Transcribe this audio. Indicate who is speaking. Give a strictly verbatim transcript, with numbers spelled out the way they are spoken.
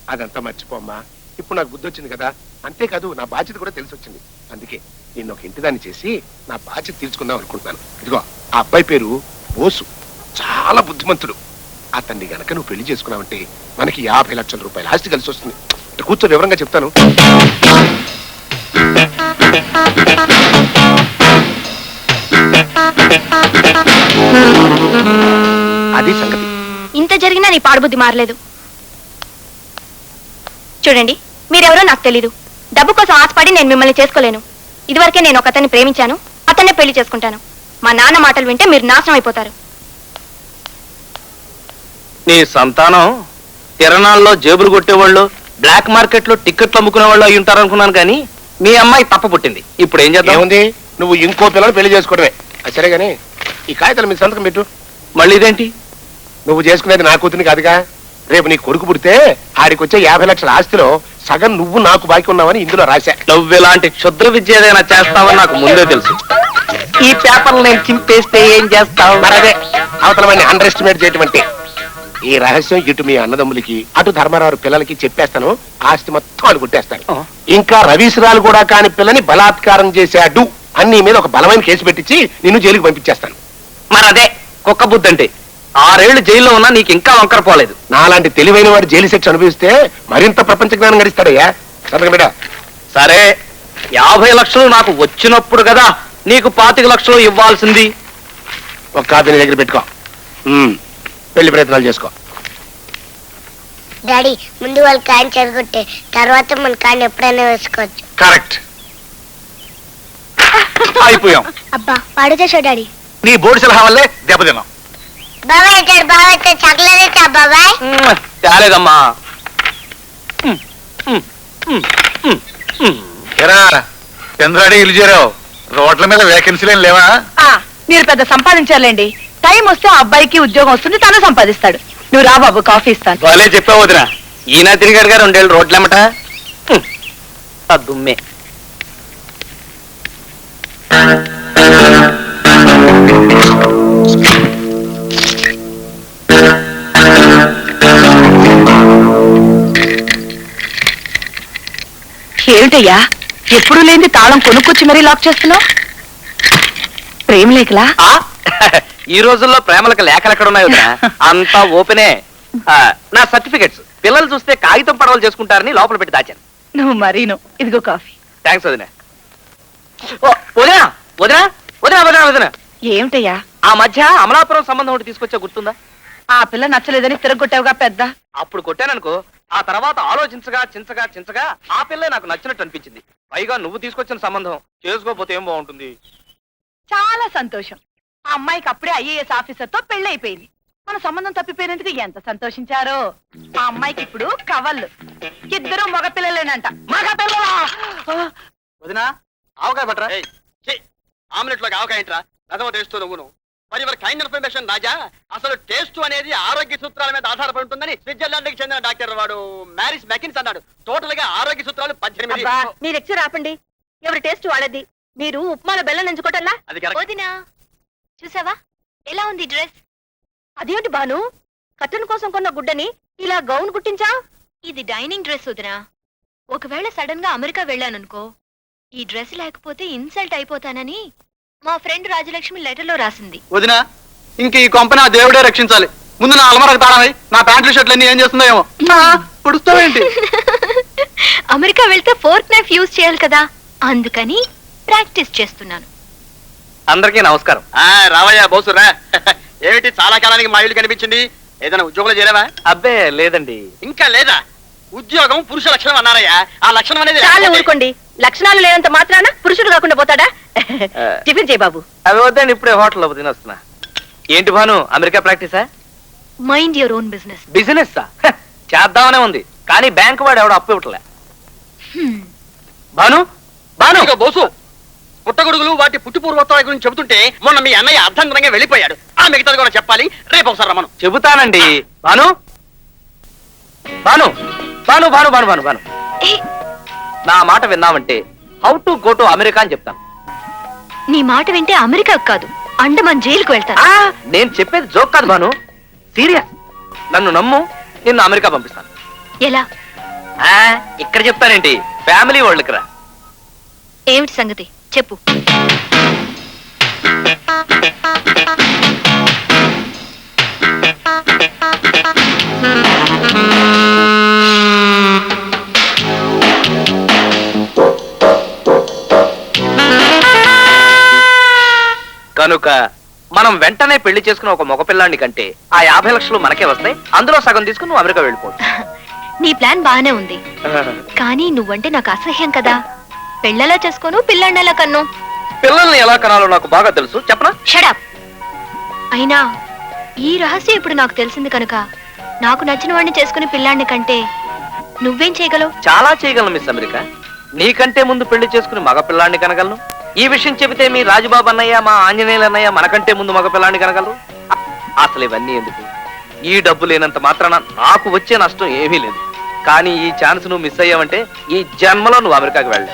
Speaker 1: అదంతా మర్చిపోమ్మా. ఇప్పుడు నాకు బుద్ధి వచ్చింది కదా, అంతేకాదు నా బాధ్యత కూడా తెలిసి వచ్చింది. అందుకే నేను ఒక ఇంటిదాన్ని చేసి నా బాధ్యత తీర్చుకుందాం అనుకుంటున్నాను. ఇదిగో ఆ అబ్బాయి పేరు బోసు, చాలా బుద్ధిమంతుడు. అతన్ని గనక నువ్వు పెళ్లి చేసుకున్నావంటే మనకి యాభై లక్షల రూపాయల ఆస్తి కలిసి వస్తుంది. కూర్చో, వివరంగా చెప్తాను. అది సంగతి.
Speaker 2: ఇంత జరిగినా నీ పాడుబుద్ధి మారలేదు. చూడండి, మీరెవరో నాకు తెలీదు. డబ్బు కోసం ఆశపడి నేను మిమ్మల్ని చేసుకోలేను. ఇదివరకే నేను ఒక అతన్ని ప్రేమించాను, అతన్నే పెళ్లి చేసుకుంటాను. మా నాన్న మాటలు వింటే మీరు నాశనం అయిపోతారు.
Speaker 3: నీ సంతానం తిరణాల్లో జేబులు కొట్టేవాళ్ళు, బ్లాక్ మార్కెట్ లో టికెట్లు అమ్ముకునే వాళ్ళు అయి ఉంటారనుకున్నాను, కానీ మీ అమ్మాయి తప్ప పుట్టింది. ఇప్పుడు ఏం చేద్దాం?
Speaker 1: ఏముంది, నువ్వు ఇంకో పిల్లలు పెళ్లి చేసుకోవడమే. సరే గానీ ఈ కాగితాలు మీ సంతకం పెట్టు.
Speaker 3: మళ్ళీ ఇదేంటి?
Speaker 1: నువ్వు చేసుకునేది నా కూతురిని కాదుగా. రేపు నీ కొడుకు పుడితే ఆడికి వచ్చే యాభై లక్షల ఆస్తిలో సగం నువ్వు నాకు బాకీ ఉన్నావని ఇందులో రాశా.
Speaker 3: నువ్వు ఇలాంటి క్షుద్ర విద్య ఏదైనా చేస్తావని నాకు ముందే తెలుసు. ఈ పేపర్లు నేను చింపేస్తే ఏం చేస్తావు?
Speaker 1: మరదే అవతల వాడిని అండర్ ఎస్టిమేట్ చేయటం అంటే. ఈ రహస్యం ఇటు మీ అన్నదమ్ములకి అటు ధర్మారావు పిల్లలకి చెప్పేస్తాను. ఆస్తి మొత్తం వాళ్ళు కొట్టేస్తాను. ఇంకా రవీశ్రాలు కూడా కాని పిల్లని బలాత్కారం చేశాడు అన్ని మీద ఒక బలమైన కేసు పెట్టించి నిన్ను జైలుకి పంపించేస్తాను.
Speaker 3: మరి అదే కుక్క బుద్ధి అంటే. ఆరేళ్లు జైల్లో ఉన్నా నీకు ఇంకా వంకర పోలేదు.
Speaker 1: నాలాంటి తెలివైన వాడు జైలు శిక్ష అనుభవిస్తే మరింత ప్రపంచ జ్ఞానం గడిస్తాడయ్యా. సంతకం బిడ్డ.
Speaker 3: సరే, యాభై లక్షలు నాకు వచ్చినప్పుడు కదా నీకు పాతిక లక్షలు ఇవ్వాల్సింది.
Speaker 1: ఒక కాపీ నీ దగ్గర పెట్టుకో. పెళ్లి ప్రయత్నాలు చేసుకో.
Speaker 4: డాడీ, ముందు వాళ్ళు కాయని చెడగొట్టే తర్వాత మన కాయని ఎప్పుడైనా వేసుకోవచ్చు.
Speaker 1: కరెక్ట్.
Speaker 3: అయిపోయాం.
Speaker 4: అబ్బా పాడు చేసావు డాడీ.
Speaker 3: నీ బోర్డు సలహా వల్లే దెబ్బతిన్నాం.
Speaker 4: బాబాయ్ వచ్చాడు, బాబాయ్ వచ్చాడు. చక్కలేదా బాబాయ్?
Speaker 3: చాలేదమ్మా.
Speaker 5: చంద్రాడి ఇల్లు చేరావు. రోడ్ల మీద వేకెన్సీలేం లేవా?
Speaker 6: మీరు పెద్ద సంపాదించాలండి. టైం వస్తే ఆ అబ్బాయికి ఉద్యోగం వస్తుంది, తను సంపాదిస్తాడు. నువ్వు రా బాబు, కాఫీ ఇస్తాను.
Speaker 3: వాళ్ళే చెప్పావు వదిన. ఈయన తిరిగాడు గారు రెండేళ్ళు రోడ్లమ్మట. దుమ్మే.
Speaker 6: ఏమిటయ్యా, ఎప్పుడు లేని తాళం కొనుక్కొచ్చి మరీ లాక్ చేస్తున్నావు? ప్రేమ లేఖలా?
Speaker 3: ఈ రోజుల్లో ప్రేమలకు లేఖలు ఎక్కడ ఉన్నాయి వదిన? అంతా ఓపెనే. నా సర్టిఫికెట్స్ పిల్లలు చూస్తే కాగితం పడవలు చేసుకుంటారని లోపల పెట్టి దాచాను.
Speaker 6: నువ్వు మరీను. ఇదిగో కాఫీ.
Speaker 3: థ్యాంక్స్ వదిన. వదినా వదినా వదినా వదినా వదినా
Speaker 6: ఏమిటయ్యా?
Speaker 3: ఆ మధ్య అమలాపురం సంబంధం ఒకటి తీసుకొచ్చా, గుర్తుందా?
Speaker 6: ఆ పిల్ల నచ్చలేదని తిరగొట్టావుగా పెద్ద.
Speaker 3: అప్పుడు కొట్టాననుకో, ఆ తర్వాత ఆలోచించగా చించగా చించగా ఆ పిల్లే నాకు నచ్చినట్టు అనిపించింది. పైగా నువ్వు తీసుకొచ్చిన సంబంధం చేసుకోకపోతే ఏం బాగుంటుంది.
Speaker 6: చాలా సంతోషం. ఆ అమ్మాయికి అప్పుడే ఐఏఎస్ ఆఫీసర్ తో పెళ్లి అయిపోయింది. మన సంబంధం తప్పిపోయినందుకు ఎంత సంతోషించారో. ఆ అమ్మాయికి ఇప్పుడు కవళ్ళు. ఇద్దరు మగ పిల్లలేనంట.
Speaker 3: మగ పిల్లలా? వదినా, ఆవకాయ పట్టరా. ఆమ్లెట్ లోకి ఆవకాయ ఏంట్రా? రథమ టేస్ట్ నువ్వును. మరి ఇవర్ కైండ్ ఇన్ఫర్మేషన్ రాజా, అసలు టేస్ట్ అనేది ఆరోగ్య సూత్రాల మీద ఆధారపడి ఉంటుందని స్విట్జర్లాండ్ కి చెందిన డాక్టర్ వాడు మ్యారిస్ మెకిన్స్ అన్నాడు. టోటల్ గా ఆరోగ్య సూత్రాలు పద్దెనిమిది.
Speaker 2: మీ లెక్చర్ ఆపండి. ఎవరి టేస్ట్ వాళ్ళది. మీరు ఉప్మాలో బెల్లం నంచుకోవటంలా?
Speaker 3: అది కరెక్ట్.
Speaker 2: వదినా, చూసావా ఎలా ఉంది డ్రెస్? అదేంటి బాను, కట్టన్ కోసం కొన్న గుడ్డని ఇలా గౌన్ కుట్టించా? ఇది డైనింగ్ డ్రెస్ వదినా. ఒకవేళ సడన్ గా అమెరికా వెళ్ళాననుకో, ఈ డ్రెస్ లేకపోతే ఇన్సల్ట్ అయిపోతానని మా ఫ్రెండ్ రాజలక్ష్మి లెటర్ లో రాసింది.
Speaker 3: వదినా, ఇంక ఈ కొంపని ఆ దేవుడే రక్షించాలి. ముందు నా అలమరకు తాళమై నా ప్యాంట్లు షర్ట్లు అన్ని ఏం చేస్తుందో ఏమో. పుడుస్తావేంటి?
Speaker 2: అమెరికా వెళ్తే ఫోర్క్ నైఫ్ యూజ్ చేయాలి కదా, అందుకని ప్రాక్టీస్ చేస్తున్నాను.
Speaker 3: అందరికీ నమస్కారం. రావయ్యా బోసురా. ఏమిటి చాలా కాలానికి మా ఇల్లు కనిపించింది? ఏదైనా ఉద్యోగంలో చేరావా? అబ్బే లేదండి. ఇంకా లేదా? ఉద్యోగం పురుష లక్షణం అన్నారయ్యా. ఆ లక్షణం అనేది
Speaker 2: చాలా ఊరుకోండి. లక్షణాలు లేనంత మాత్రాన పురుషుడు కాకుండా పోతాడా? టిఫిన్ చేయి బాబు.
Speaker 3: అవి వద్దండి, ఇప్పుడే హోటల్లో తినొస్తున్నా. ఏంటి భాను, అమెరికా ప్రాక్టీసా?
Speaker 2: Mind your own business.
Speaker 3: Business చేద్దామనే ఉంది, కానీ బ్యాంక్ వాడు ఎవడో అప్పు ఇవ్వట్లే. భాను భాను బోసు, పుట్టగొడుగులు వాటి పుట్టి పూర్వోత్తరాల గురించి చెబుతుంటే మొన్న మీ అన్నయ్య అర్ధంతరంగా వెళ్ళిపోయాడు. ఆ మిగతాది కూడా చెప్పాలి, రేపు ఒకసారి రమ్మను. చెబుతానండి. భాను భాను భాను భాను భాను భాను భాను నా మాట విన్నామంటే how to go to America అని చెప్తాను.
Speaker 2: నీ మాట వింటే అమెరికా కాదు, అండమాన్ జైలుకు వెళ్తాను.
Speaker 3: నేను చెప్పేది జోక్ కాదు భాను, సీరియస్. నన్ను నమ్ము, నిన్ను అమెరికా పంపిస్తాను.
Speaker 2: ఎలా?
Speaker 3: ఆ, ఇక్కడ చెప్తానేంటి, ఫ్యామిలీ వరల్డ్కి రా.
Speaker 2: ఏమిటి సంగతి చెప్పు.
Speaker 3: కనుక మనం వెంటనే పెళ్లి చేసుకున్న ఒక మగపిల్లాన్ని కంటే ఆ యాభై లక్షలు మనకే వస్తాయి. అందులో సగం తీసుకుని నువ్వు అమెరికా వెళ్ళిపోవచ్చు.
Speaker 2: నీ ప్లాన్ బాగానే ఉంది, కానీ నువ్వంటే నాకు అసహ్యం కదా. పెళ్ళలా చేసుకోను, పిల్లాడినలా కన్ను.
Speaker 3: పిల్లల్ని ఎలా కనాలో నాకు బాగా తెలుసు, చెప్పనా?
Speaker 2: షడప్. అయినా ఈ రహస్యం ఇప్పుడు నాకు తెలిసింది కనుక నాకు నచ్చిన వాడిని చేసుకుని పిల్లాడిని కంటే నువ్వేం చేయగలవు?
Speaker 3: చాలా చేయగలను మిస్ అమెరికా. నీకంటే ముందు పెళ్లి చేసుకుని మగ పిల్లాన్ని కనగలను. ఈ విషయం చెబితే మీ రాజుబాబు అన్నయ్య, మా ఆంజనేయులు అన్నయ్య మనకంటే ముందు మగ పిల్లాన్ని కనగలరు. అసలు ఇవన్నీ ఎందుకు? ఈ డబ్బు లేనంత మాత్రాన నాకు వచ్చే నష్టం ఏమీ లేదు. కానీ ఈ ఛాన్స్ నువ్వు మిస్ అయ్యావంటే ఈ జన్మలో నువ్వు అమెరికాకి వెళ్ళావు.